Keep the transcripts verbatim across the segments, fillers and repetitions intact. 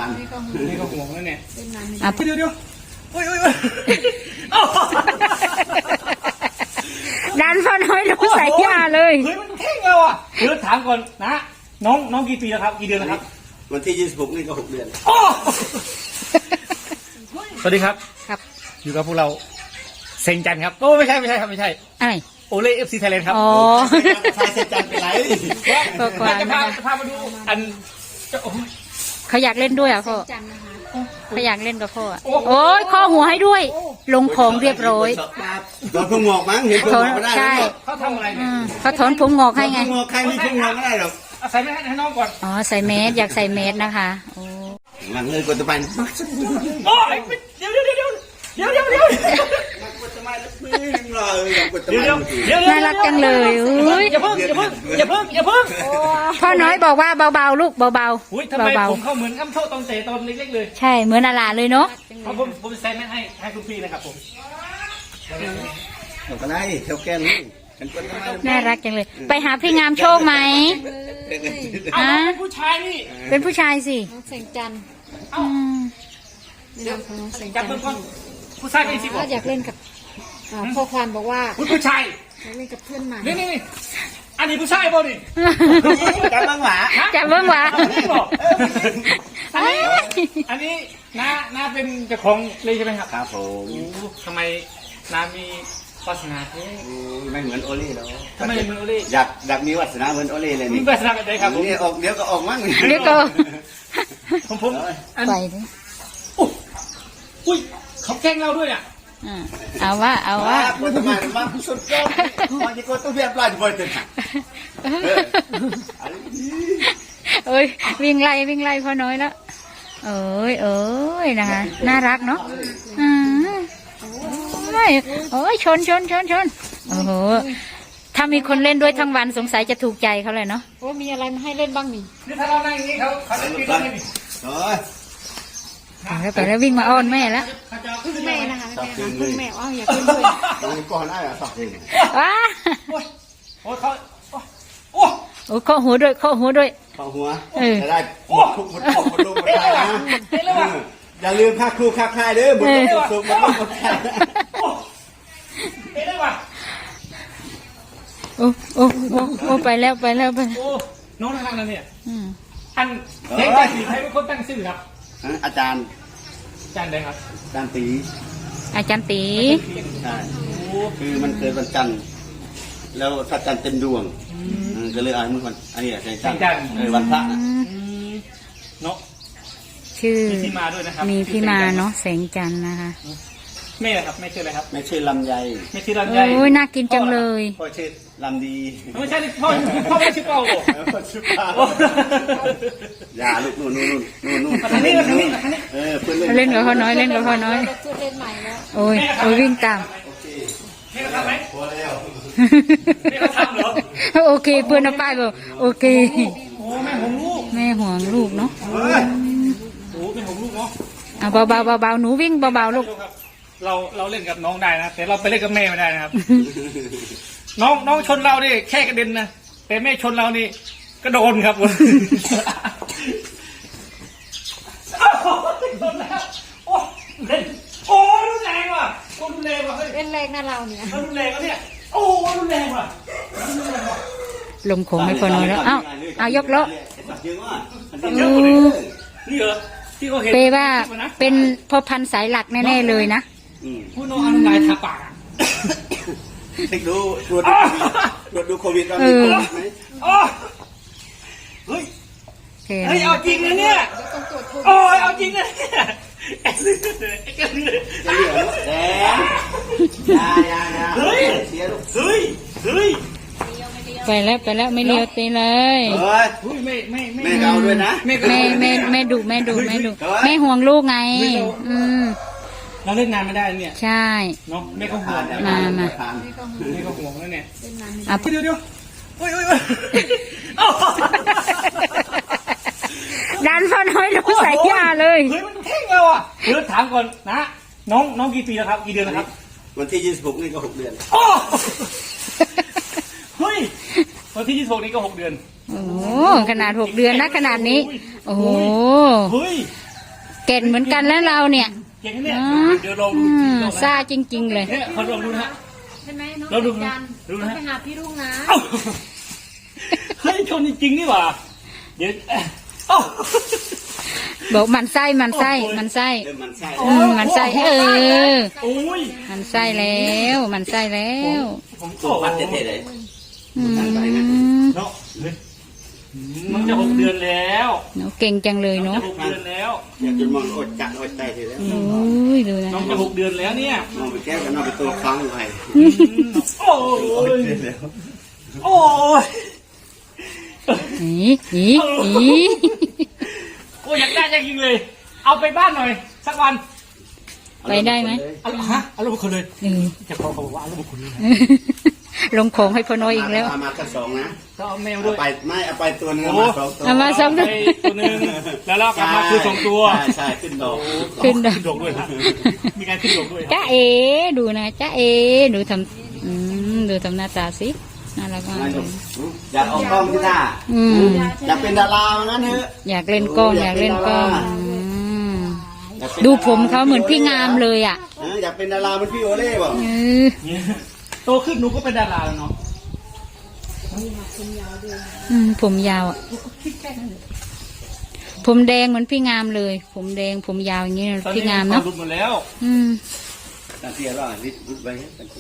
านนี่ก็ห่วงแล้วเนี่ยเดี๋ยวเดี๋ยวโอ้ยโอ้ยดันพ่อน้อยลงใส่ยาเลยเฮ้ยมันเท่งเราอ่ะเดี๋ยวถามก่อนนะน้องน้องกี่ปีแล้วครับกี่เดือนแล้วครับวันที่ยี่สิบหกนี่ก็หกเดือนสวัสดีครับครับอยู่กับพวกเราเซงจันครับโอ้ไม่ใช่ไม่ใช่ครับไม่ใช่อะไรโอเล่เอฟซีไทยแลนด์ครับอ๋อชายเซนจันเป็นไรก็จะพาจะพามาดูอันเขาอยากเล่นด้วยอ่ะพ่อเขาอยากเล่นกับพ่อโอ้ยข้อหัวให้ด้วยลงของเรียบร้อยถอนผมงอกมั้งเห็นผมงอกไม่ได้ใช่เขาทำอะไรเนี่ยเขาถอนผมงอกให้ไงผมงอกใครมีผมงอกไม่ได้หรอกใส่แมสให้น้องก่อนอ๋อใส่เมสอยากใส่เมสนะคะโอ้หลังเลยกดตะไบโอ้ยเดี๋ยวเดี๋ยวเดี๋ยวเดี๋ยวเดี๋ยวเดี๋ยวเดี๋ยวน่ารักจังเลยอุ้ยอย่าเพิ่งอย่าเพิ่งอย่าเพิ่งอย่าเพิ่งพ่อน้อยบอกว่าเบาๆลูกเบาๆอุ้ยทำไมผมเขาเหมือนอ้ำโชตอนเตะตอนเล็กๆเลยใช่เหมือนอาลาเลยเนาะผมผมใส่แมสให้ให้คุณพี่นะครับผมหนูก็ได้เท่าแก่นี้น่ารักจังเลยไปหาพี่งามโชคไหมอ่ะเป็นผู้ชายนี่เป็นผู้ชายสิน้องแสงจันทร์อืมนี่น้องของน้องแสงจันทร์ผู้ชายเป็นสิบอยากเล่นกับพ่อควานบอกว่าผู้ชายอยากเล่นกับเพื่อนใหม่นี่นี่อันนี้ผู้ชายบ่ดิจับเบิ้งหวาจับเบิ้งหวาอันนี้อันนี้น้าน้าเป็นเจ้าของเลยใช่ไหมครับครับผมทำไมน้ามีวาสนาไม่เหมือนโอเล่แล้วทำไมเหมือนโอเล่อยากอยากมีวาสนาเหมือนโอเล่เลยนี่วาสนาแบบไหนครับนี่ออกเดี๋ยวก็ออกมั้งเดี๋ยวก็ผมผมไปดิอุ้ยเขาแกล้งเราด้วยอ่ะเอาว่าเอาว่ามันทำไมมันสุดยอดมันจะก็ต้องเรียบร้อยบ่อยเต็มเอ้ยวิ่งไล่วิ่งไล่พ่อน้อยแล้วเอ้ยเอ้ยนะคะน่ารักเนาะอืมโอ้ยชนชนชนชนโอ้โหถ้ามีคนเล่นด้วยทั้งวันสงสัยจะถูกใจเขาเลยเนาะโอ้มีอะไรมาให้เล่นบ้างนี่นี่ถ้าเรานั่งอย่างนี้เขาเขาเล่นกี่ตัวนี่โอ้ยแล้วไปแล้ววิ่งมาอ้อนแม่แล้วพึ่งแม่นะคะแม่พึ่งแม่อ้าวอยากเล่นด้วยก่อนได้อะสอบเองว้าโอ้เขาโอ้โอ้ข้อหัวด้วยข้อหัวด้วยข้อหัวจะได้โอ้คุกหมดคุกหมดลูกหมดใจนะอย่าลืมค่าครูค่าค่ายเด้อหมดลูกหมดสุกหมดลูกหมดใจเห็นได้ป่ะโอ้โอ้โอ้โอ้ไปแล้วไปแล้วไปโอ้น้องทางนั้นเนี่ยอันเด็กสีใครเป็นคนตั้งชื่อครับอาจารย์อาจารย์ใดครับอาจารย์ตีอาจารย์ตีใช่คือมันเกิดวันจันทร์แล้วพระจันทร์เต็มดวงก็เลยอ่านมันวันอันนี้แสงจันทร์เออวันพระนะเนาะชื่อมีที่มาด้วยนะครับมีที่มาเนาะแสงจันทร์นะคะแม่ครับแม่ชื่ออะไรครับแม่ชื่อลำไยแม่ชื่อลำไยโอ้ยน่ากินจังเลยพ่อชื่อลำดีไม่ใช่พ่อพ่อไม่ชื่อเปาพ่อชื่อเปาอย่าลูกนู่นนู่นนู่นนู่นอันนี้อันนี้เออเพื่อนเล่นกับพ่อน้อยเล่นกับพ่อน้อยเล่นใหม่แล้วโอ้ยโอ้ยวิ่งตามแม่เขาทำไหมพอแล้วแม่เขาทำเหรอโอเคเพื่อนเอาป้ายบอกโอเคโอ้แม่ห่วงลูกแม่ห่วงลูกเนาะโอ้เป็นห่วงลูกเนาะเอาเบาเบาเบาหนูวิ่งเบาเบาลูกเราเราเล่นกับน้องได้นะแต่เราไปเล่นกับแม่ไม่ได้นะครับน้องน้องชนเรานี่แค่กระเด็นนะแต่แม่ชนเรานี่ก็โดนครับโดนแล้วโอ้เล่นโอ้รุนแรงว่ะโอ้รุนแรงว่ะเฮ้ยเล่นแรงนะเราเนี่ยรุนแรงแล้วเนี่ยโอ้รุนแรงว่ะลงโขงให้พ่อน้อยแล้วเอ้าเอายกล้อนี่เหรอที่เขาเห็นเปว่าเป็นพ่อพันธุ์สายหลักแน่ๆเลยนะผู้น้องอนุนายทาปากเด็กดูตรวจตรวจดูโควิดตอนนี้ไหมเฮ้ยเฮ้ยเอาจริงเลยเนี่ยโอ้ยเอาจริงเลยเนี่ยแดงยายายาเฮ้ยเฮ้ยเฮ้ยไปแล้วไปแล้วไม่เลี้ยวตีเลยเฮ้ยไม่ไม่ไม่แม่เอาด้วยนะแม่แม่แม่ดุแม่ดุแม่ดุแม่ห่วงลูกไงอืมเราเล่นงานไม่ได้เนี่ยใช่เนาะแม่ก็ห่วงมามาแม่ก็ห่วงแล้วเนี่ยอ่ะเดี๋ยวเดี๋ยวโอ้ยโอ้ยดันพ่อน้อยลงใส่ยาเลยเฮ้ยมันเท่งเราอ่ะเดี๋ยวถามก่อนนะน้องน้องกี่ปีแล้วครับกี่เดือนแล้วครับวันที่ยี่สิบหกนี่ก็หกเดือนโอ้เฮ้ยวันที่ยี่สิบหกนี่ก็หกเดือนโอ้ขนาดหกเดือนนะขนาดนี้โอ้โหเฮ้ยเก่งเหมือนกันแล้วเราเนี่ยเก่งนะเนี่ยอ๋อเดี๋ยวลองอืดูมลองนะซ่าจริง ๆ เลยเนี่ยคนลองดูนะฮะใช่ไหมน้องเราดูยันดูนะไปหาพี่รุ่งนะเอ้าเฮ้ยชนจริงๆนี่หว่าเดี๋ยวเอ้าบอกมันไส้มันไส้มันไส้เริ่มมันไส้อืมมันไส้เออโอ้ยมันไส้แล้วมันไส้แล้วผมตัวพัดเท่ๆเลยอืมเนาะเฮ้ยมันจะหกเดือนแล้วหนูเก่งจังเลยน้องเนาะจะหกเดือนแล้วอยากจะมองอดจัดอดใจทีแล้วโอ้ยดูนะน้องจะหกเดือนแล้วเนี่ยมองไปแก้วกันนอกไปตัวค้างอยู่ไงอืมโอ้ยโอ้ยอีอีอีโอ้ยอยากได้จริงๆเลย เอาไปบ้านหน่อย สักวันไปได้ไหมเอาฮะเอาลูกบุคคลเลยเออจะขอเขาบอกว่าเอาลูกบุคคลเลยนะลงของให้พ่อน้อยอีกแล้วเอามาแค่สองนะก็เอาแมวเอาด้วยไปไม่เอาไปตัวนึงโอ้เอามาสองตัวเอามาสองไปตัวหนึ่งแล้วเรากลับมาคือสองตัวใช่ใช่ขึ้นดอกขึ้นดอกขึ้นดอกด้วยครับมีการขึ้นดอกด้วยครับจ้าเอดูนะจ้าเอดูทำอืมดูทำหน้าตาสิน่ารักมากนั่นเลก็ยอยากออกกล้องที่หน้าอืมอยากเป็นดาราว่างั้นเถอะอยากเล่นกล้องอยากเล่นกล้องอืมอยากเป็นดูผมเขาเหมือนพี่งามเลยอ่ะเอออยากเป็นดาราเหมือนพี่โอเล่บอกเออโตขึ้นหนูก็เป็นดาราแล้วเนาะอืมผมยาวอ่ะ ผมแดงเหมือนพี่งามเลย ผมแดงผมยาวอย่างนี้นะตอนพี่นี้งามเขาเนาะหลุดหมดแล้วอืมตาเทียร่าริดรุดไปให้กัน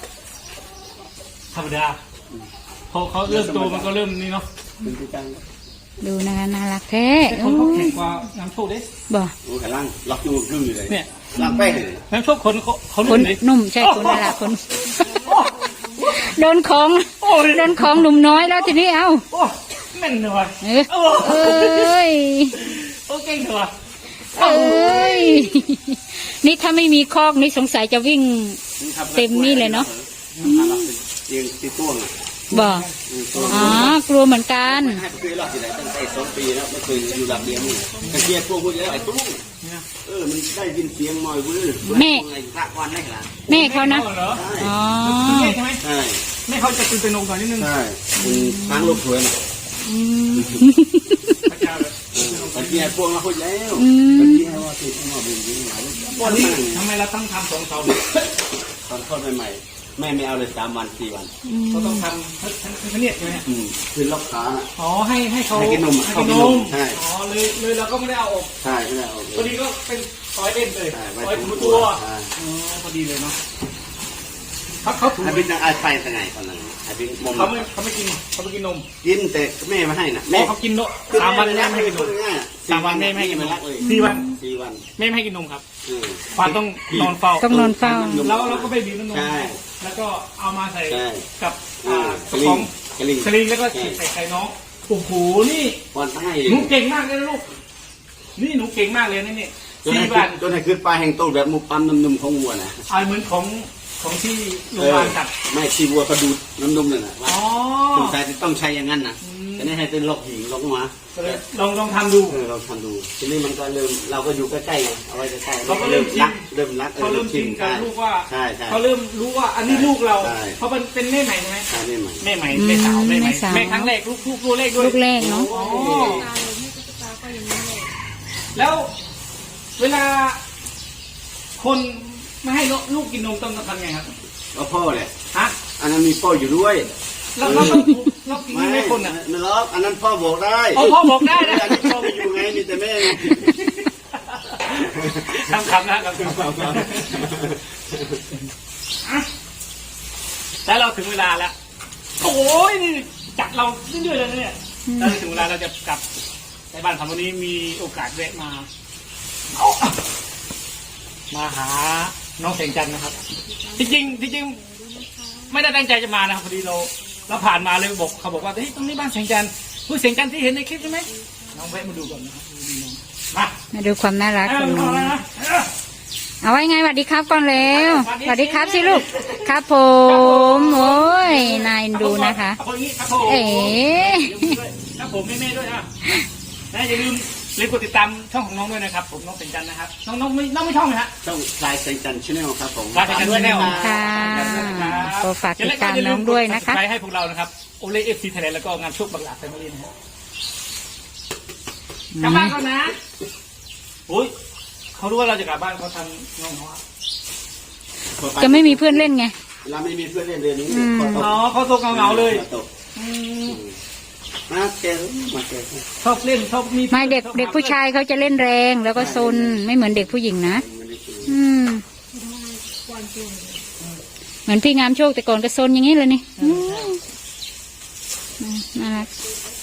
ธรรมดาพอเขาเริ่มโตมันก็เริ่มนี่เนาะเป็นที่ตั้งดูนะคะน่ารักแท้แต่คโอ้นเขายแข็งกว่าน้ำโชคเด้บ่โอ้ยล่างล็อกอยู่กึ่งอยู่เลยเนี่ยล่างแป้งเลยน้ำโชคคนเขาเขาคนเลยนุ่มใช่คนน่ารักคน โดนของโอ้ยโดนของหนุ่มน้อยแล้วทีนี้เอ้าโอ้ยแม่นเลยว่ะเออเอ้ยโอ้เก่งเลยว่ะเอ้ย นี่ถ้าไม่มีคอกนี่สงสัยจะวิ่ง เต็มนี่เลยเนาะเตียงตีต้วงอ่ะบ่ อ๋อกลัวเหมือนกันให้ไปรอบที่ไหนตั้งแต่สองปีแล้วไม่เคยอยู่หลับเดียวนี่ตะเกียบพวกพวกนี้แล้วไอ้ตุ้งเออมันได้ยินเสียงมอยวื้อไอ้พระวันได้ขนาดแม่เขานะเหรออ๋อแม่ใช่ไหมใช่แม่เขาจะตื่นตระหนกหน่อยนิดนึงใช่คุณช้างลูกสวยนะอืมพระเจ้าเลยตะเกียบพวกเราคุยแล้วอืมตะเกียบว่าติดมาเป็นยังไงวันนี้ทำไมเราต้องทำสองเสาเนี่ยตอนทอดใหม่ๆแม่ไม่เอาเลยสามวันสี่วันเขาต้องทำทั้งทั้งทั้งเนี่ยใช่ไหมอืมคือล็อกขาอ๋อให้ให้เขาให้กินนมให้เขากินกินนนมมใช่อ๋อเลยเลยเราก็ไม่ได้เอาออกใช่ไม่ได้เอาพอดีก็เป็นซอยเล่นเลยใช่ซไว้อยถูถูตัตัว วใช่อ๋อพอดีเลยเนาะเขาเขาถูไอ้บิ๊กนั่งไอ้ไปทางไหนตอนนั้นไอ้บิ๊กมอมเขาไม่เขาไม่กินเขาไม่กินนมกินแต่แม่มาให้น่ะแม่เขากินนมสามวันแม่ไม่ให้กินนมง่ายสามวันแม่ไม่ให้กินนมรักเลยสี่วันสี่วันแม่ไม่ให้กินนมครับเออควานต้องนอนเฝ้าต้องนอนเฝ้าแล้วเราก็ไปบีบน้ำนมใช่แล้วก็เอามาใส่ใช่กับเออ่าอกระลิป๋อง งกลิงสลิงแล้วก็ใช่ใส่ไข่น้องโอ้โหนี่วันให้หนูเก่งมากเลยนะลูกนี่หนูเก่งมากเลยนะเนี่ยจนสี่ให้วันจนให้ขึ้นปลาแห่งโตแบบมุกปั๊มน้ำนมของวัวนะเอาเหมือนของของที่โรงพยาบาลจัดไม่ที่วัวก็ดูดน้ำนมเลยนะอ๋อสงสัยจะต้องใช้อย่างนั้นนะจะได้ให้เป็นล็อกหินล็อกหัวก็เลยลองลองทำดูเออเราทำดูทีนี้มันก็เริ่มเราก็อยู่ใกล้ๆไงเอาไว้ใกล้ๆเราก็เริ่มชินรักเริ่มรักออเขาเริ่มชินกับลูกว่าใช่ใช่เขาเริ่มรู้ว่าอันนี้ลูกเราใช่เพราะมันเป็นแม่ใหม่ใช่ไหมใช่ไม่ใหม่แม่ใหม่แม่สาวแม่ใหม่แม่สาวแม่ครั้งแรกลูกลูกลูกแรกด้วยลูกแรกเนาะอ๋อตาเลยไม่ตุ๊กตาก็อย่างนี้เลยแล้วเวลา คนไม่ให้ลูกกินนมต้องทำไงครับก็พ่อแหละฮะอันนั้นมีพ่ออยู่ด้วยเราเราต้องเรากินไม่คนอ่ะไม่ล็อกอันนั้นพ่อบอกได้อ๋อพ่อบอกได้นะอันนี้พ่อไม่อยู่ไงมีแต่แม่ไงคำคำนะคำคำแล้วเราถึงเวลาแล้วโอ้ยนี่จัดเราเรื่อยๆเลยนะเนี่ยแล้วถึงเวลาเราจะกลับในบ้านของวันนี้มีโอกาสแวะมาเอามาหาน้องแสงจันทร์นะครับจริงๆจริงๆไม่ได้ตั้งใจจะมานะครับพอดีเราเราผ่านมาเลยบอกเขาบอกว่าเฮ้ยตรงนี้บ้านแสงจันทร์ผู้แสงจันทร์ที่เห็นในคลิปใช่ไหมน้องแวะมาดูก่อนนะครับดูน้องมามาดูความน่ารักเอาของน้องเอาเอาเอาเอาไว้ไงสวัสดีครับก่อนเร็วสสวัวัสสดีดีครับครับสิลูก ครับผม โอ้ย นายดูนะคะเอาคนนี้ครับผมเอ๋ครับผมแม่ๆด้วยอ่ะนะอย่าลืมลืมกดติดตามช่องของน้องด้วยนะครับ ผมน้องเป็นจันทร์นะครับน้องน้องไม่น้องไม่ช่องนะฮะต้องลายใส่จันชาแนลครับผมลายใส่จัน Channel ค่ะก็ฝากติดตามน้องด้วยนะคะใช้ให้พวกเรานะครับโอเล่เอฟซีไทยแลนด์แล้วก็งานโชคบังหลาแฟมิลี่นะครับกลับบ้านก่อนนะโอ้ยเขารู้ว่าเราจะกลับบ้านเขาทำน้องเขาอะจะไม่มีเพื่อนเล่นไงเราไม่มีเพื่อนเล่นเดือนนี้อืมขอตกอ๋อเขาโซกเหงาๆเลยขอตกมาเจอมาเจอชอบเล่นชอบมีไม่เด็กเด็กผู้ชายเขาจะเล่นแรงแล้วก็ซนไม่เหมือนเด็กผู้หญิงนะอืมเหมือนพี่งามโชคแต่ก่อนก็ซนอย่างนี้เลยนี่อืมน่ารัก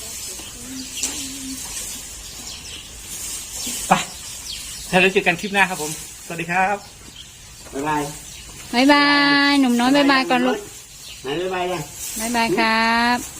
ไปถ้าเราเจอกันคลิปหน้าครับผมสวัสดีครับบ๊ายบายบายบายหนุ่มน้อยบายบายก่อนลูกไหนบ๊ายบายยังบายบายครับ